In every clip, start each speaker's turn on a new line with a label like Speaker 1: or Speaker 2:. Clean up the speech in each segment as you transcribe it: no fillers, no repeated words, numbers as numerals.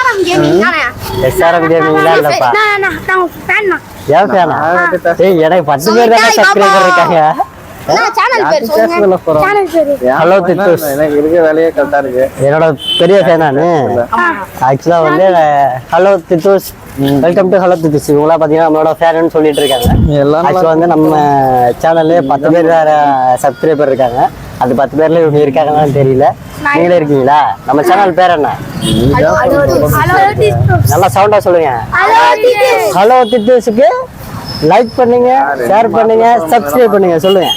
Speaker 1: SRM கேமிங்லாம் இல்லப்பா. ஏன் ஃபேனா? ஏய் எனக்கு 10 பேர் தான் சப்ஸ்கிரைபர் இருக்காங்க. ஹலோ தித்தூஸ்,
Speaker 2: எனக்கு இருக்க வேலையே கரெக்டா இருக்கு.
Speaker 1: என்னோட பெரிய ஃபேன் நானு. ஆக்சுவலா வந்து hello Thithoos, welcome to hello Thithoos. இவங்களாம் பாத்தீங்கன்னா நம்மளோட ஃபேன்னு சொல்லிட்டு இருக்காங்க. ஆக்சுவலா வந்து நம்ம சேனல்ல 10 பேர் சப்ஸ்கிரைபர் இருக்காங்க. அது 10 பேர்ல இவங்க இருக்காங்கன்னு தெரியல. நீங்களே இருக்கீங்களா? நம்ம சேனல் பேர் என்ன? நல்லா சவுண்டா சொல்லுங்க. ஹலோ தித்தூஸ்க்கு லைக் பண்ணுங்க, ஷேர் பண்ணுங்க, சப்ஸ்கிரைப் பண்ணுங்க. சொல்லுங்க.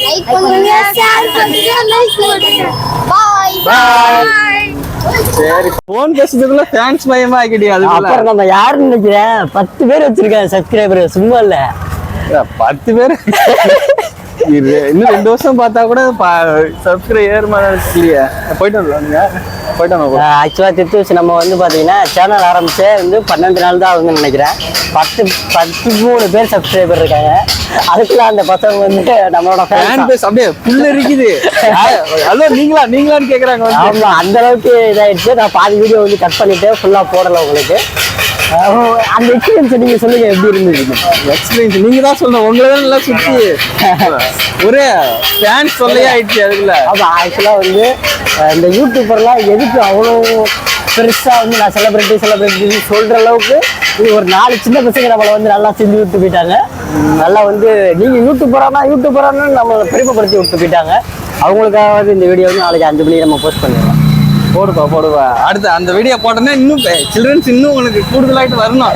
Speaker 2: சரி, போன் பேசுறதுக்குள்ள ஃபேன்ஸ் மயமா ஆகிட்டியா?
Speaker 1: அப்புறம் நம்ம யாருன்னு நினைக்கிறேன்? 10 பேர் வச்சிருக்காங்க சப்ஸ்கிரைபர். சும்மா இல்ல,
Speaker 2: 10 பேர். இன்னும் 2 வருஷம் பார்த்தா கூட சப்ஸ்கிரைபர் இல்லையா? போயிட்டு வந்துருவாங்க.
Speaker 1: ஆக்சுவலா தித்தூஸ் நம்ம வந்து பாத்தீங்கன்னா சேனல் ஆரம்பிச்சே வந்து 12 நாள் தான் ஆகுதுன்னு நினைக்கிறேன். 13 பேர் சப்ஸ்கிரைபர் இருக்காங்க. அதுக்குள்ள அந்த பசங்க வந்து நம்மளோட
Speaker 2: ஃபேன் பேஸ் அப்படியே புல்ல இருக்குது. ஹலோ நீங்களான்னு கேக்குறாங்க.
Speaker 1: ஆமா, அந்த அளவுக்கு இதாயிடுச்சு. நான் பாதி வீடியோ வந்து கட் பண்ணிட்டு ஃபுல்லா போடல உங்களுக்கு. அந்த எக்ஸ்பீரியன்ஸ் நீங்க சொல்லுங்க, எப்படி இருந்தது?
Speaker 2: எக்ஸ்பீரியன்ஸ் நீங்க தான் சொல்லணும். உங்களை தான் நல்லா சுத்தி ஒரே ஃபேன்ஸ் சொல்லையே ஆயிடுச்சு அதுக்குள்ள.
Speaker 1: ஆமா, ஆக்சுவலா வந்து இந்த யூடியூபர்லாம் எதுக்கு அவ்வளோ பெருசா வந்து நான் செலிபிரிட்டி சொல்ற அளவுக்கு இது ஒரு 4 சின்ன பசங்க நம்மளை வந்து நல்லா செஞ்சு விட்டு போயிட்டாங்க. நல்லா வந்து நீங்க யூடியூபரானு நம்மளை பெருமைப்படுத்தி விட்டு போயிட்டாங்க. அவங்களுக்காக இந்த வீடியோ வந்து நாளைக்கு 5 மணிக்கு நம்ம போஸ்ட் பண்ணுவோம்.
Speaker 2: போடுவா. அடுத்து அந்த வீடியோ போட்டோன்னா இன்னும் சில்ட்ரன்ஸ் இன்னும் உங்களுக்கு கூடுதலாயிட்டு வரணும்.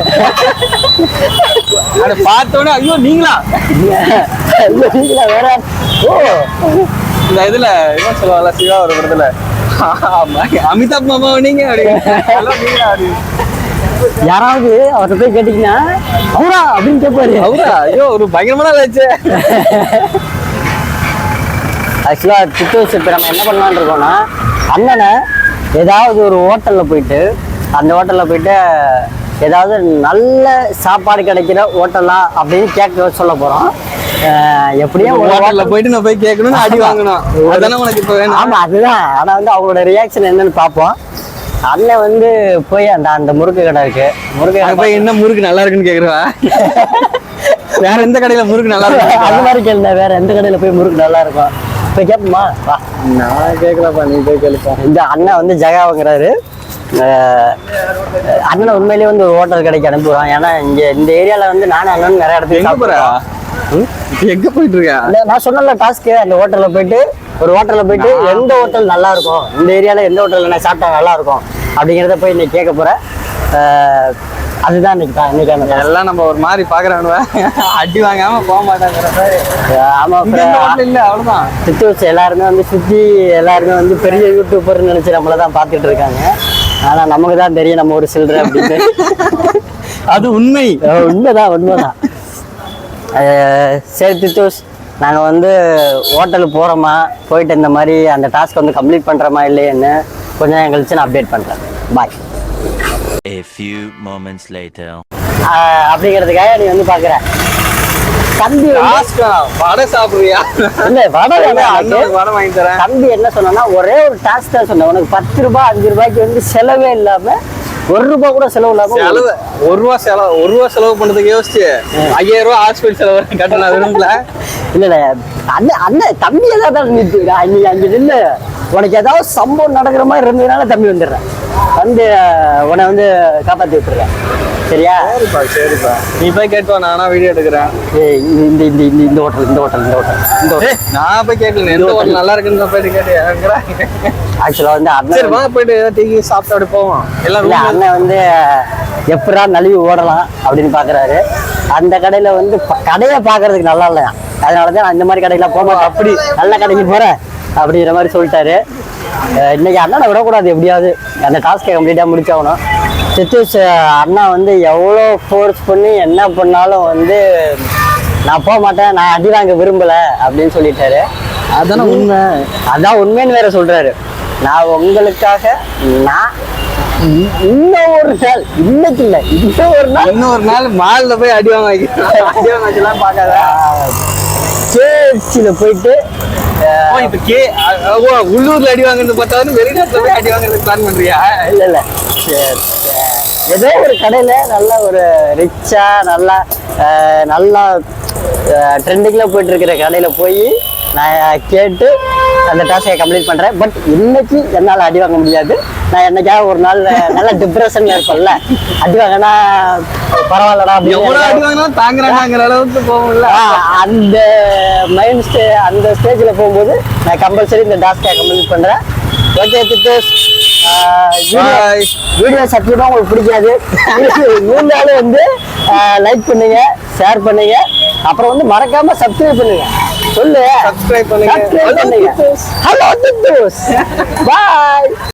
Speaker 2: அதை பார்த்தோன்னே ஐயோ நீங்களா
Speaker 1: வேற. ஓ,
Speaker 2: இந்த இதுல என்ன சொல்லுவாங்க, சிவா ஒரு படத்துல அமிதாப் மாமா நீங்க
Speaker 1: யாராவது அவர்கிட்ட போய் கேட்டீங்கன்னா அவரா அப்படின்னு கேட்பாரு.
Speaker 2: அவரா? ஐயோ, ஒரு பயங்கரமான ஆச்சு.
Speaker 1: ஆக்சுவலா தித்தூஸ் இப்ப நம்ம என்ன பண்ணலான்னு இருக்கோம்னா, அண்ணனை ஏதாவது ஒரு ஹோட்டல்ல போயிட்டு ஏதாவது நல்ல சாப்பாடு கிடைக்கிற ஹோட்டலா அப்படின்னு கேட்க சொல்ல போறோம். எப்படியும்
Speaker 2: ஹோட்டல்ல போயிட்டு நான் போய் கேட்கணும்னு அடி வாங்கணும். அதானே உனக்கு இப்ப வேணும்?
Speaker 1: ஆமா, அதுதான். ஆனா வந்து அவங்களோட ரியாக்ஷன் என்னன்னு பார்ப்போம். அண்ணன் வந்து போய் அந்த முறுக்கு கடை இருக்கு, முறுக்கு கடை
Speaker 2: போய் என்ன முறுக்கு நல்லா இருக்குன்னு கேக்குறா? வேற எந்த கடையில முறுக்கு நல்லா இருக்கும்
Speaker 1: அது மாதிரி கேள்வி. வேற எந்த கடையில போய் முறுக்கு நல்லா இருக்கும் போய் கேட்போமா? வா.
Speaker 2: நான் கேட்கலப்பா, நீ போய் கேளுப்பா.
Speaker 1: இந்த அண்ணன் வந்து ஜகா வாங்குறாரு. அண்ணனை உண்மையிலேயே வந்து ஒரு ஹோட்டல் கடைக்கு அனுப்புவான். ஏன்னா இங்க இந்த ஏரியால வந்து நானும் அண்ணன் நிறைய இடத்துக்கு
Speaker 2: எங்க போயிட்டு இருக்கா?
Speaker 1: நான் சொன்னல டாஸ்க்கு, அந்த ஹோட்டல்ல போயிட்டு எந்த ஹோட்டல் நல்லா இருக்கும், இந்த ஏரியால எந்த ஹோட்டல்ல நான் சாப்பிட்டா நல்லா இருக்கும் அப்படிங்கிறத போய் இன்னைக்கு கேட்க போறேன். அதுதான் இன்னைக்கு
Speaker 2: எல்லாம் நம்ம ஒரு மாதிரி பாக்குறானுவ, அடி வாங்காம போக மாட்டாங்கிற.
Speaker 1: ஆமா,
Speaker 2: இல்ல அவ்வளவுதான்.
Speaker 1: தித்தூஸ் எல்லாருமே வந்து எல்லாருமே வந்து பெரிய யூடியூபர்னு நினைச்சு நம்மளதான் பாத்துட்டு இருக்காங்க. ஆனா நமக்கு தான் தெரியும் நம்ம ஒரு சில்லற அப்படின்னு.
Speaker 2: அது
Speaker 1: உண்மைதான். சரி தித்தூஸ், நாங்க வந்து ஹோட்டலுக்கு போறோமா, போயிட்டு இந்த மாதிரி அந்த டாஸ்க் வந்து கம்ப்ளீட் பண்றோமா இல்லையேன்னு கொஞ்ச நேரம் கழிச்சு நான் அப்டேட் பண்றேன். பாய்.
Speaker 3: A few moments later.
Speaker 1: அப்படிங்கிறதுக்காக நீ வந்து பாக்குற தம்பி
Speaker 2: வடை சாப்பிடுறியா?
Speaker 1: இல்ல, வடை
Speaker 2: வாங்கி தரேன்.
Speaker 1: தம்பி என்ன சொன்னா, ஒரே ஒரு டாஸ்க் தான் சொன்னேன். உனக்கு 10 ரூபாய் 5 ரூபாய்க்கு வந்து செலவே இல்லாம, 1 ரூபாய் கூட செலவு இல்லாம,
Speaker 2: 1 ரூபா செலவு பண்றதுக்கு யோசிச்சு 5000 ரூபாய் ஹாஸ்பிட்டல் செலவு கட்டணா விரும்பல.
Speaker 1: இல்ல அண்ணன் தம்பி ஏதாவது நீ அங்க நின்று உனக்கு ஏதாவது சம்பவம் நடக்கிற மாதிரி இருந்ததுனால தம்பி வந்துடுறேன், வந்து உன்னை வந்து காப்பாத்தி விட்டுறேன். சரியா?
Speaker 2: சரிப்பா நீ போய் கேட்பா, நானா வீடியோ எடுக்கிறேன்.
Speaker 1: இந்த ஹோட்டல்
Speaker 2: நான் போய் கேட்கல, எந்த ஹோட்டல் நல்லா இருக்குன்னு போயிட்டு கேட்டு.
Speaker 1: ஆக்சுவலா வந்து
Speaker 2: அண்ணன் போயிட்டு டீ சாப்பிட்டு அப்படி போவோம் எல்லாரும்.
Speaker 1: அண்ணன் வந்து எப்படா நழுவி ஓடலாம் அப்படின்னு பாக்குறாரு. அந்த கடையில வந்து கடையை பாக்குறதுக்கு நல்லா இல்லையா, அதனாலதான் நான் இந்த மாதிரி கடைக்கெல்லாம் போக மாட்டேன். அப்படி நல்ல கடைக்கு போறேன் அப்படிங்கிற மாதிரி சொல்லிட்டாரு. இன்னைக்கு அண்ணனை விடக்கூடாது, எப்படியாவது அந்த டாஸ்கை கம்ப்ளீட்டா முடிச்சாகணும். தித்தூஸ் அண்ணா வந்து எவ்வளோ ஃபோர்ஸ் பண்ணி என்ன பண்ணாலும் வந்து நான் போக மாட்டேன், நான் அடி வாங்க விரும்பல அப்படின்னு சொல்லிட்டாரு.
Speaker 2: அதான உண்மை,
Speaker 1: அதான் உண்மைன்னு வேற சொல்றாரு. நான் உங்களுக்காக இன்னொரு நாள்
Speaker 2: மால்ல போய் அடி வாங்கலாம் பார்க்காத.
Speaker 1: சேர்ச்சியில போயிட்டு
Speaker 2: உள்ளூர்ல அடி வாங்குறது பார்த்தாலும் வெளிநாட்டுல போய் அடி வாங்குறதுக்கு பிளான் பண்றியா?
Speaker 1: இல்ல ஏதோ ஒரு கடையில நல்ல ஒரு ரிச்சா நல்லா ட்ரெண்டிங்ல போயிட்டு இருக்கிற கடையில போய் நான் கேட்டு அந்த டாஸ்கை கம்ப்ளீட் பண்றேன். பட் இன்னைக்கு என்னால அடி வாங்க முடியாது. நான் என்னைக்காவது ஒரு நாள் நல்ல டிப்ரெஷன்ல இருப்பேன்ல, அடி வாங்கினா பரவாயில்லடா
Speaker 2: எவ்வளவு அடி வாங்கினாலும் தாங்குறாங்கிற அளவுக்கு போகும்ல.
Speaker 1: அந்த அந்த ஸ்டேஜ்ல போகும்போது நான் கம்பல்சரி இந்த டாஸ்கை கம்ப்ளீட் பண்றேன். ஓகே தித்தோஸ், வீடியோ சத்தியமா உங்களுக்கு பிடிக்காது. இருந்தாலும் வந்து லைக் பண்ணுங்க, ஷேர் பண்ணுங்க, அப்புறம் வந்து மறக்காம சப்ஸ்கிரைப் பண்ணுங்க. சொல்லு
Speaker 2: சப்ஸ்கிரைப் பண்ணுங்க.
Speaker 1: ஹலோ தித்தோஸ், பாய்.